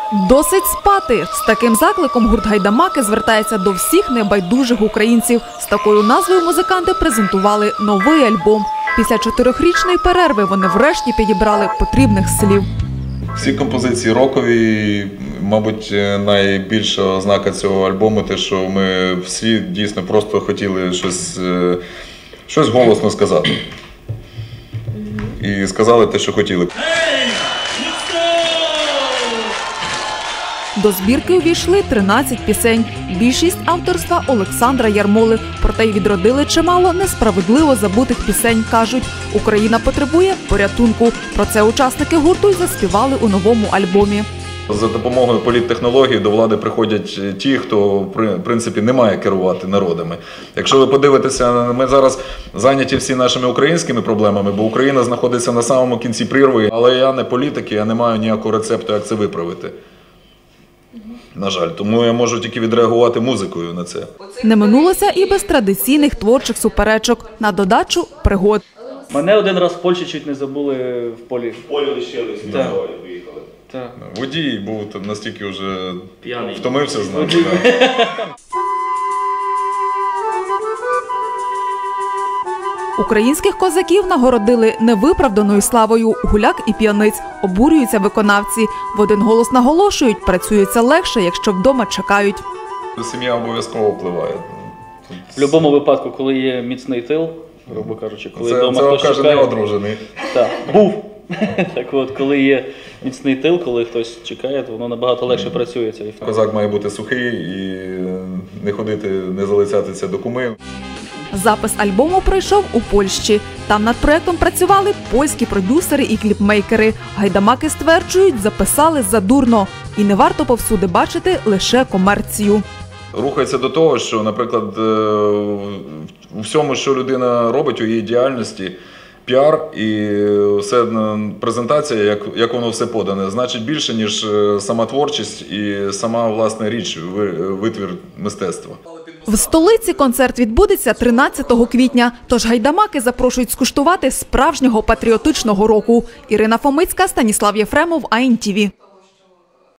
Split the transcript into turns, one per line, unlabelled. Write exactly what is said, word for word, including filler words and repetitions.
Досить спати. З таким закликом гурт «Гайдамаки» звертається до всіх небайдужих українців. З такою назвою музиканти презентували новий альбом. Після чотирьохрічної перерви вони врешті підібрали потрібних слів.
Всі композиції рокові, мабуть, найбільша ознака цього альбому – те, що ми всі дійсно просто хотіли щось, щось голосно сказати. І сказали те, що хотіли.
До збірки увійшли тринадцять пісень. Більшість авторства Олександра Ярмоли. Проте й відродили чимало несправедливо забутих пісень. Кажуть, Україна потребує порятунку. Про це учасники гурту й заспівали у новому альбомі.
За допомогою політтехнології до влади приходять ті, хто, в принципі, не має керувати народами. Якщо ви подивитеся, ми зараз зайняті всі нашими українськими проблемами, бо Україна знаходиться на самому кінці прірви. Але я не політик, я не маю ніякого рецепту, як це виправити. На жаль, тому я можу тільки відреагувати музикою на це.
Не минулося і без традиційних творчих суперечок. На додачу – пригод.
Мене один раз в Польщі чуть не забули в полі.
В полі лишились, на дорозі виїхали.
Так.
Водій був настільки вже
п'яний.
Втомився з нами.
Українських козаків нагородили невиправданою славою. Гуляк і п'яниць. Обурюються виконавці. В один голос наголошують, працюється легше, якщо вдома чекають.
Сім'я обов'язково впливає.
В будь-якому випадку, коли є міцний тил, грубо кажучи, коли
це,
вдома
це
хтось
каже,
чекає.
не одружений.
Так, був. Так от, коли є міцний тил, коли хтось чекає, то воно набагато легше працює. Цей факт.
Козак має бути сухий і не ходити, не залицятися до куми.
Запис альбому пройшов у Польщі. Там над проєктом працювали польські продюсери і кліпмейкери. Гайдамаки стверджують, записали задурно. І не варто повсюди бачити лише комерцію.
Рухається до того, що, наприклад, у всьому, що людина робить у її діяльності, піар і все, презентація, як, як воно все подане, значить більше, ніж сама творчість і сама, власне, річ, витвір мистецтва.
В столиці концерт відбудеться тринадцятого квітня, тож гайдамаки запрошують скуштувати справжнього патріотичного року. Ірина Фомицька, Станіслав Єфремов, АНТВ.